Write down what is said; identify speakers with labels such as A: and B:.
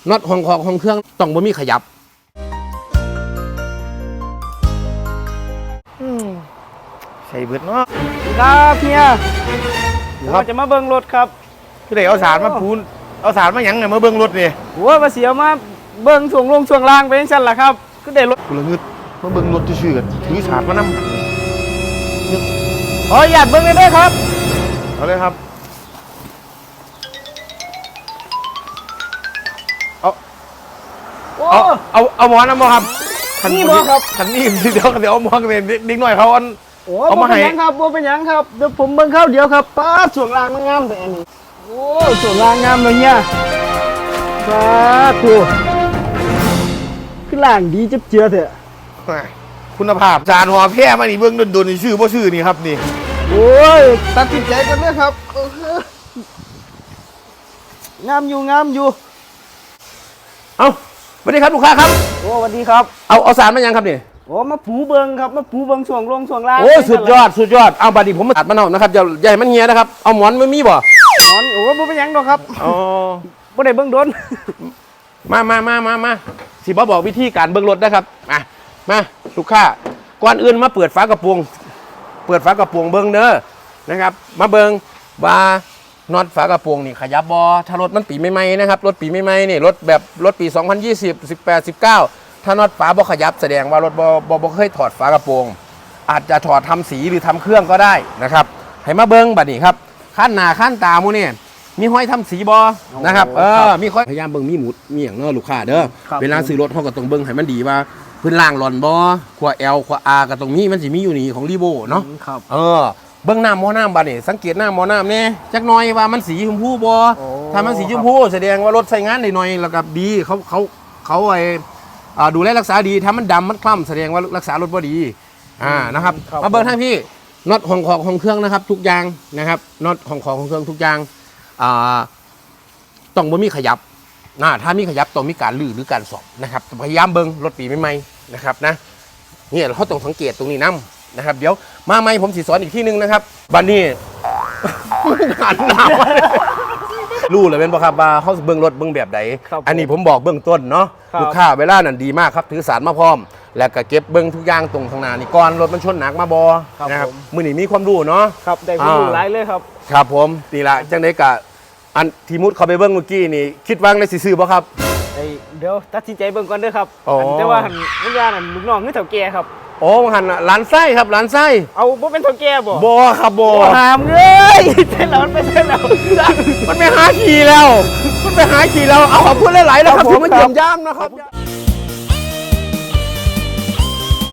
A: น็อตของเครื่องต้องบ่มีขยับใส่เบิดเนาะ
B: ครับเฮีย
A: ครับ
B: จะมาเบิ่งรถครับ
A: คือได้เอาสารมาพูนเอาสารมาหยังเนี่ยมาเบิ่งรถนี่
B: หัวมาเสียมาเบิ่งช่วงลงช่วงล่างไปจังซั่นล่ะครับก็ได้รถ
A: กูละงึดมาเบิ่งรถซื่อๆกันถือสารมานำ
B: ขออยากเบิ่งเลยเด้อครับ
A: เอาเลยครับเอา
B: โอ้
A: เอาหมอนำบ่ครับ
B: นี่บ่ครับ
A: คันนี้เดี๋ยวเอาหมอนกันนิดหน่อยเขาอัน
B: โอ้
A: เอามาให้
B: บ่เป็นหยังครับบ่เป็นหยังครับเดี๋ยวผมเบิ่งข้าวเดียวครับป้าดช่วงล่างมันงามแต่อันนี้โอ้ช่วงล่างงามเลยเนี่ยป้าดโถคือล่างดีจับเจือเถอะ
A: คุณภาพจานหัวแพร่มานี่เบิ่งโดนๆนี่ชื่อบ่ชื่อนี่ครับนี่
B: โอ้ยตัดสินใจกันเลยครับงามอยู่
A: เอาสวัสดีครับลูกค้าครับ
B: โอ้สวัสดีครับ
A: เอาสารมายังครับนี่
B: โอ้มาผูเบิงครับมาผูเบิงช่วงลงช่วงล่าง
A: โอ้สุดยอดเอาบัดนี้ผมมาตัดมันเอานะครับอย่าให้มันเหี่ยนะครับเอาหมอนไม่มีบ่
B: นอนโอ้บ่เป็นหยังดอกครับ
A: อ๋อ
B: บ่ได้เบิ่งโดน
A: มาสิบ่บอกวิธีการเบิ่งรถนะครับมาลูกค้าก่อนอื่นมาเปิดฝากระโปรงเบิ่งเด้อนะครับมาเบิ่งว่าน็อตฝากระโปรงนี่ขยับบ่ถ้ารถมันปีใหม่ๆนะครับรถปีใหม่ๆนี่รถปี2020 18 19ถ้าน็อตฝาบ่ขยับแสดงว่ารถบ่เคยถอดฝากระโปรงอาจจะถอดทำสีหรือทำเครื่องก็ได้นะครับให้มาเบิ่งบัดนี้ครับขั้นหน้าขั้นตาหมู่นี่มีห้อยทำสีบ่นะครับมีห้อยพยายามเบิ่งมีหมุดมีอย่างเนาะลูกค้าเด้อเวลาซื้อรถเฮาก็ต้องเบิ่งให้มันดีว่าพื้นล่างหล่อนบ่ขวา L ขวา R ก็ตรงนี้มันสิมีอยู่นี่ของรีโวเนาะ
B: ครับ
A: เบื้องน้ำหม้อน้ำบัดนี่สังเกตน้ำหม้อน้ำเนี่ยจักหน่อยว่ามันสีชมพูบ่ถ้ามันสีชมพูแสดงว่ารถใช้งานได้หน่อยแล้วก็ดีเขาไอ้ดูแลรักษาดีถ้ามันดำมันคล้ำแสดงว่ารักษารถบ่ดีนะครับมาเบิ่งทางพี่น็อตของเครื่องนะครับทุกอย่างนะครับน็อตของเครื่องทุกอย่างต้องบ่มีขยับถ้ามีขยับต้องมีการลื้อหรือการสอบนะครับพยายามเบิ่งรถปีใหม่ๆนะครับนะนี่เขาต้องสังเกตตรงนี้นะครับเดี๋ยวมาไหมผมสิสอนอีกที่นึงนะครับบัดนี้ หันหน้ามารู้เลยเป็นป่ะครับว่าเขาเบื้องรถเบื้องแบบใดอันนี้ผมบอกเบื้องต้นเนาะลูกค้าเวลานั่นดีมากครับถือสารมาพร้อมแล้วก็เก็บเบื้องทุกอย่างตรงข้างหน้านี่ก่อนรถมันชนหนักมาบอนะครับมือนี่มีความรู้เนาะ
B: ครับได้ความรู้หลายเลยครับ
A: ครับผมนี่ละจังได้กะอันทีมุดเขาไปเบื้องเมื่อกี้นี่คิดว่างในสิซื้อป่ะครับ
B: เดี๋ยวตัดสินใจเบิ่งก่อนเด้อครับ
A: อ๋อ
B: แต่ว่าหันวิญญาณนั่นลูกน้องคือเฒ่าแก่ครับ
A: โอ้หันร้านไส้ครับร้านไส้
B: เอาบ่เป็นเฒ่าแก่บ่
A: บอครับบอ
B: หามเลยเส้นแล้วมันไปเส้นแล้ว
A: มันไปหาขี่แล้วเอาขอบคุณหลายๆนะครับที่มาเยี่ยมย่ามนะครับ